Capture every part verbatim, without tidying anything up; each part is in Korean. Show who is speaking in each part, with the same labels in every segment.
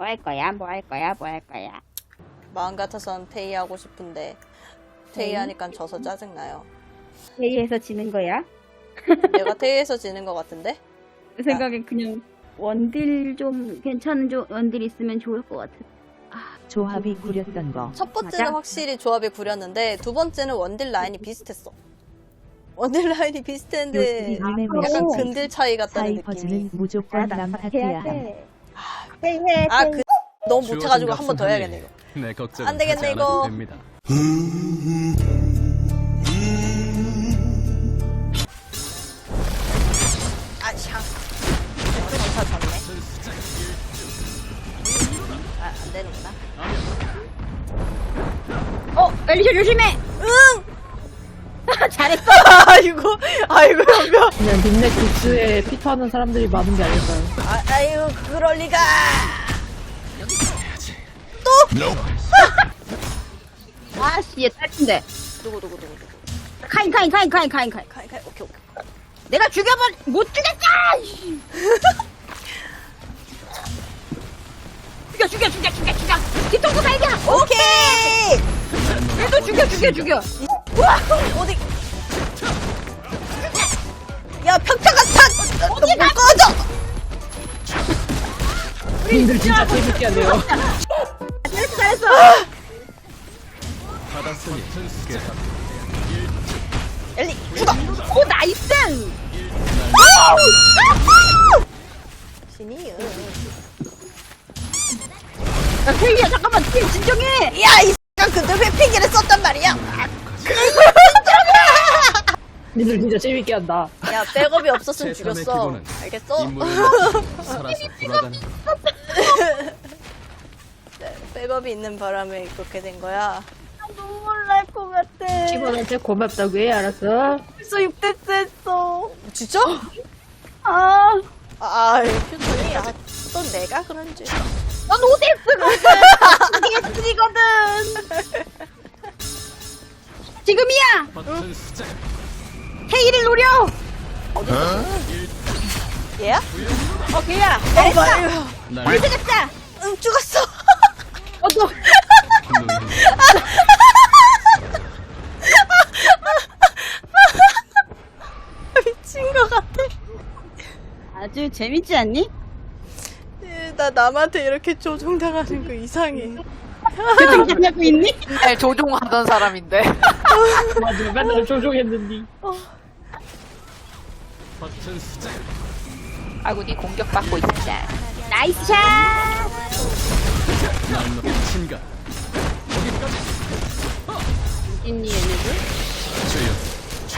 Speaker 1: 뭐 할 거야? 뭐 할 거야? 뭐 할 거야?
Speaker 2: 마음 같아선 테이 하고 싶은데 테이 하니까 져서 짜증나요.
Speaker 1: 회의에서 지는 거야?
Speaker 2: 내가 테이에서 지는 것 같은데?
Speaker 1: 내 생각엔 그냥 원딜 좀 괜찮은 조, 원딜 있으면 좋을 것 같아.
Speaker 3: 조합이 구렸던 거.
Speaker 2: 첫 번째는
Speaker 1: 맞아?
Speaker 2: 확실히 조합이 구렸는데 두 번째는 원딜 라인이 비슷했어. 원딜 라인이 비슷했는데
Speaker 3: 요즘에
Speaker 2: 약간
Speaker 1: 오.
Speaker 2: 근들 차이 같다는
Speaker 3: 사이퍼즈는
Speaker 2: 느낌이.
Speaker 3: 무조건 남 파티야 함.
Speaker 1: 회의해.
Speaker 2: 아, 그 너무 못해가지고 한 번 더 해야겠네 이거.
Speaker 4: 네, 걱정
Speaker 2: 안 되겠네, 이거.
Speaker 4: 됩니다.
Speaker 2: 아, 샹. 좀 못하 졌네. 아, 안 되는구나.
Speaker 1: 어, 엘리셔 조심해.
Speaker 2: 응!
Speaker 1: 잘했어.
Speaker 2: 아이고, 아이고, 연병.
Speaker 5: 그냥 닉네 굿즈에 피터하는 사람들이 많은 게 아닐까요?
Speaker 2: 아, 아유, 그럴 리가.
Speaker 1: 아씨, 얘 딸친데.
Speaker 2: 누구, 누구, 누구, 누구.
Speaker 1: 카인, 카인, 카인, 카인, 카인, 카인.
Speaker 2: 가이, 가이, 오케이, 오케이.
Speaker 1: 내가 죽여버, 못 죽였어! 죽여, 죽여, 죽여, 죽여, 죽여. 뒤통수 발견.
Speaker 2: 오케이!
Speaker 1: 얘도 죽여, 죽여, 죽여.
Speaker 2: 우와! 어디? 야, 평타가 탄! 어디 가? 꺼져!
Speaker 5: 님들 진짜 재밌게 하네요.
Speaker 1: 잘했어, 잘했어.
Speaker 4: 받았으니 깨끗.
Speaker 2: 엘리, 죽어!
Speaker 1: 오, 나이스.
Speaker 2: 신이요.
Speaker 1: 야, 케이야, 잠깐만, 케이 진정해.
Speaker 2: 야, 이 X가 근데 회피기를 썼단 말이야.
Speaker 5: 님들 진짜 재밌게 한다.
Speaker 2: 야, 백업이 없었으면
Speaker 4: 최선의
Speaker 2: 죽였어.
Speaker 4: 기본은
Speaker 2: 알겠어?
Speaker 4: 인물은 살아서 돌아가는
Speaker 2: 네, 백업이 있는 바람에 그렇게 된 거야.
Speaker 1: 눈물 날 것 같아.
Speaker 5: 직원한테 고맙다고 해, 알았어?
Speaker 1: 벌써 육 대스 했어.
Speaker 2: 진짜?
Speaker 1: 아,
Speaker 2: 아, 표정이, 아, 또 내가 그런지.
Speaker 1: 넌 오 대스거든. 예술이거든. 지금이야.
Speaker 4: 버튼 수작.
Speaker 1: 케이를 노려.
Speaker 2: 얘야?
Speaker 1: 어, 케이야.
Speaker 2: 어,
Speaker 1: 잘했어.
Speaker 2: 말이야.
Speaker 4: 날
Speaker 1: 죽였다.
Speaker 2: 응, 죽었어.
Speaker 1: 어, 너.
Speaker 2: 미친 것 같아.
Speaker 1: 아주 재밌지 않니?
Speaker 2: 예, 나 남한테 이렇게 조종당하는 거 이상해.
Speaker 1: 교정하고 있니?
Speaker 6: 맨날 조종하던 사람인데.
Speaker 5: 맞아, 맨날 조종했는데.
Speaker 4: 버튼 수작.
Speaker 6: 아군이 공격받고 있습니다.
Speaker 1: 나이스 샷.
Speaker 4: 날 높인 친가.
Speaker 1: 있니 얘네들?
Speaker 4: 주여.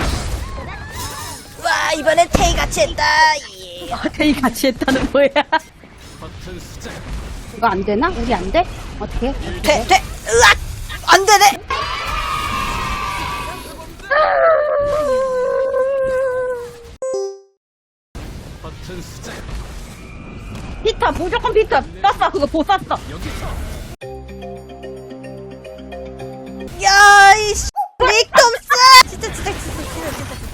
Speaker 2: 와, 이번엔 테이 같이 했다. 예.
Speaker 1: 어, 케이 같이 했다는 뭐야?
Speaker 4: 버튼 수작.
Speaker 1: 이거 안 되나? 우리 안 돼? 어떻게?
Speaker 2: 돼, 돼. 으악! 안 되네.
Speaker 4: 버튼 수작.
Speaker 1: 피터 무조건 피터 떴어. 그거 보 쐈어.
Speaker 2: 야, 이 씨. 릭톰스! 진짜, 진짜, 진짜, 진짜, 진짜.